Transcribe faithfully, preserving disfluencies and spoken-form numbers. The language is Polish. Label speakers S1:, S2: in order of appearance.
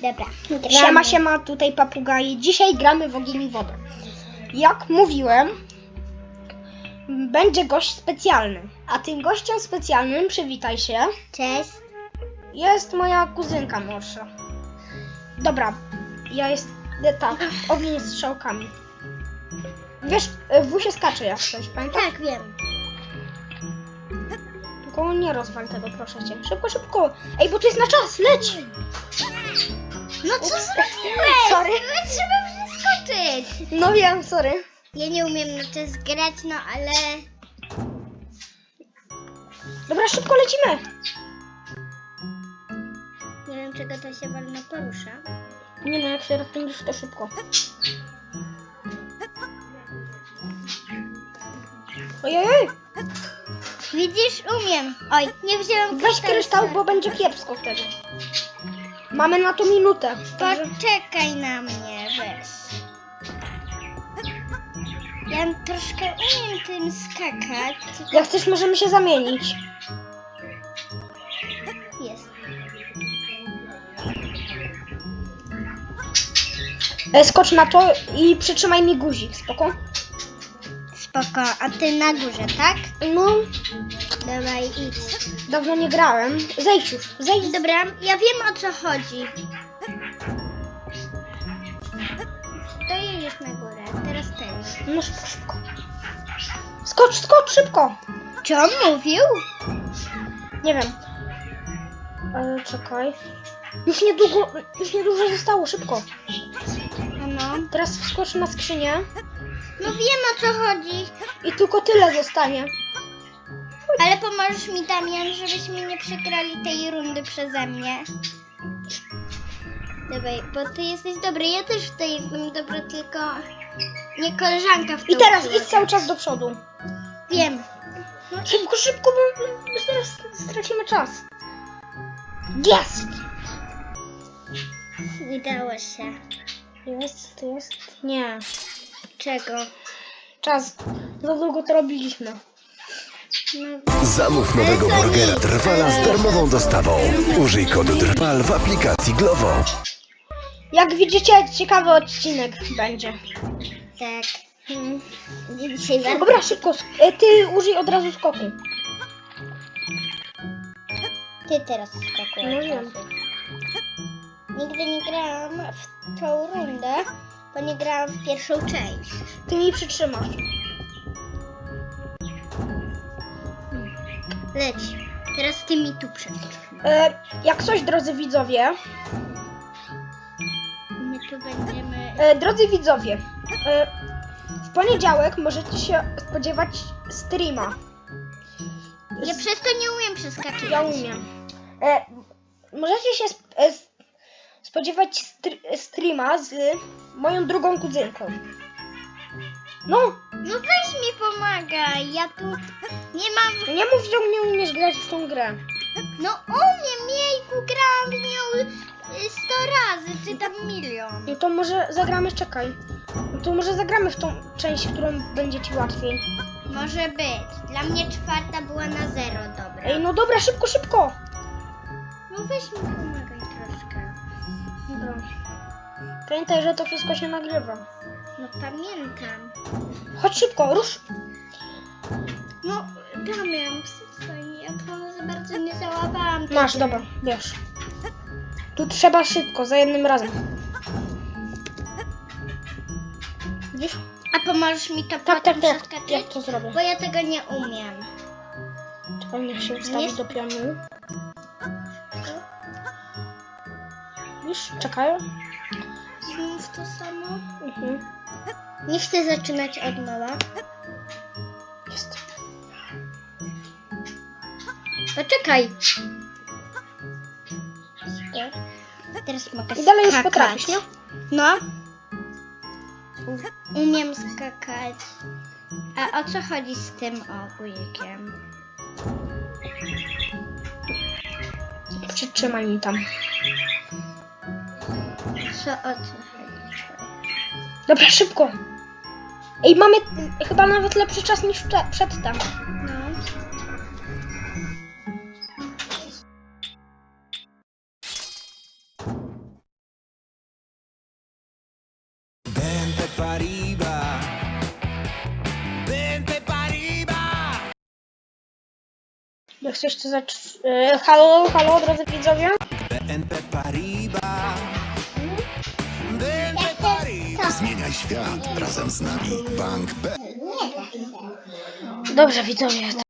S1: Dobra.
S2: Siema, siema, tutaj papugaje. Dzisiaj gramy w ogień i wodę. Jak mówiłem, będzie gość specjalny. A tym gościem specjalnym, przywitaj się,
S1: Cześć.
S2: jest moja kuzynka młodsza. Dobra, ja jest... tak, ogień z strzałkami. Wiesz, w wusie skacze jak coś, pamiętasz?
S1: Tak, wiem.
S2: Tylko nie rozwal tego, proszę cię. Szybko, szybko. Ej, bo to jest na czas, leć!
S1: No co zrobiłeś?
S2: Sorry.
S1: No, trzeba przeskoczyć.
S2: No wiem, sorry.
S1: Ja nie umiem na czas grać, no ale...
S2: Dobra, szybko lecimy.
S1: Nie wiem, czego to się wolno porusza.
S2: Nie no, jak się rozpędzisz, to szybko. Ojej,
S1: Widzisz, umiem. Oj, nie wzięłam
S2: weź kryształ, bo będzie kiepsko wtedy. Mamy na to minutę. Także...
S1: Poczekaj na mnie, weź. Ja troszkę umiem tym skakać. tylko
S2: Jak chcesz, możemy się zamienić.
S1: Jest.
S2: E, skocz na to i przytrzymaj mi guzik, spoko?
S1: Spoko, a ty na górze, tak?
S2: No,
S1: Dawaj, idź.
S2: dawno nie grałem. Zejdź już, zejdź.
S1: Dobra, ja wiem, o co chodzi. To jedziesz na górę, teraz ty.
S2: No szybko, szybko. Skocz, skocz, szybko.
S1: Co on mówił?
S2: Nie wiem. Ale czekaj. Już niedługo, już niedużo zostało, szybko.
S1: No,
S2: Teraz wskocz na skrzynię
S1: no wiem, o co chodzi.
S2: i tylko tyle zostanie.
S1: Ale pomożesz mi, Damian, żebyśmy nie przegrali tej rundy przeze mnie. Dawaj, bo ty jesteś dobry, ja też w tej jestem dobra, tylko nie koleżanka w
S2: I
S1: tą
S2: teraz
S1: piłkę.
S2: idź cały czas do przodu.
S1: Wiem.
S2: Szybko, szybko, bo bo zaraz stracimy czas. Jest!
S1: Udało się.
S2: Jest, jest. Nie.
S1: Czego?
S2: Czas. Za długo to robiliśmy.
S1: No,
S3: Zamów nowego
S1: Ale to
S3: burgera
S1: nic.
S3: Trwala z darmową dostawą. Użyj kodu Trwal w aplikacji Glovo.
S2: Jak widzicie, ciekawy odcinek będzie.
S1: tak.
S2: Hmm.
S1: Dzisiaj bardzo...
S2: Dobra, szybko. sk- e, Ty użyj od razu skoku.
S1: Ty teraz skakujesz.
S2: No wiem.
S1: Nigdy nie grałam w tą rundę, bo nie grałam w pierwszą część.
S2: Ty mi przytrzymasz.
S1: Leć. Teraz ty mi tu przeskoczysz.
S2: E, jak coś, drodzy widzowie,
S1: My tu będziemy...
S2: e, drodzy widzowie, e, w poniedziałek możecie się spodziewać streama.
S1: Ja przez to nie umiem przeskakiwać.
S2: Ja umiem. E, możecie się sp- e, s- spodziewać str- streama z moją drugą kuzynką. No,
S1: No weź mi pomagaj, ja tu nie mam...
S2: nie mów, że nie umiesz grać w tą grę.
S1: No umiem, jejku, grałam w nią y, sto razy, czy tam milion.
S2: No to może zagramy, czekaj. No to może zagramy w tą część, którą będzie ci łatwiej.
S1: Może być. Dla mnie czwarta była na zero, dobra.
S2: Ej, no dobra, szybko, szybko.
S1: No weź mi pomagaj troszkę.
S2: Dobra. Pamiętaj, że to wszystko się nagrywa.
S1: No pamiętam.
S2: Chodź szybko, rusz.
S1: No Damian, przestań, ja to za bardzo nie załapałam. tej
S2: Masz,
S1: gry.
S2: dobra, wiesz. Tu trzeba szybko, za jednym razem. Widzisz?
S1: A pomożesz mi to
S2: Tak,
S1: potem
S2: tak, tak.
S1: przeskoczyć?
S2: Jak to zrobię?
S1: Bo ja tego nie umiem.
S2: Czekaj, niech się ustawi
S1: Nie-
S2: do pionu. Widzisz? Czekaj.
S1: Znów to samo.
S2: Mhm.
S1: Nie chcę zaczynać od nowa.
S2: Jest.
S1: Poczekaj. Teraz mogę
S2: I dalej już
S1: skakać.
S2: potrafisz, nie?
S1: No. Umiem skakać. A o co chodzi z tym ogórkiem?
S2: Przytrzymaj mi tam.
S1: Co o co chodzi?
S2: Dobra, szybko. Ej, mamy y, chyba nawet lepszy czas niż prze- przedtem.
S1: No.
S2: Jak coś to zacz... Yy, halo, halo, drodzy widzowie?
S3: Zmieniaj świat razem z nami. Bank B.
S2: Dobrze, widzowie.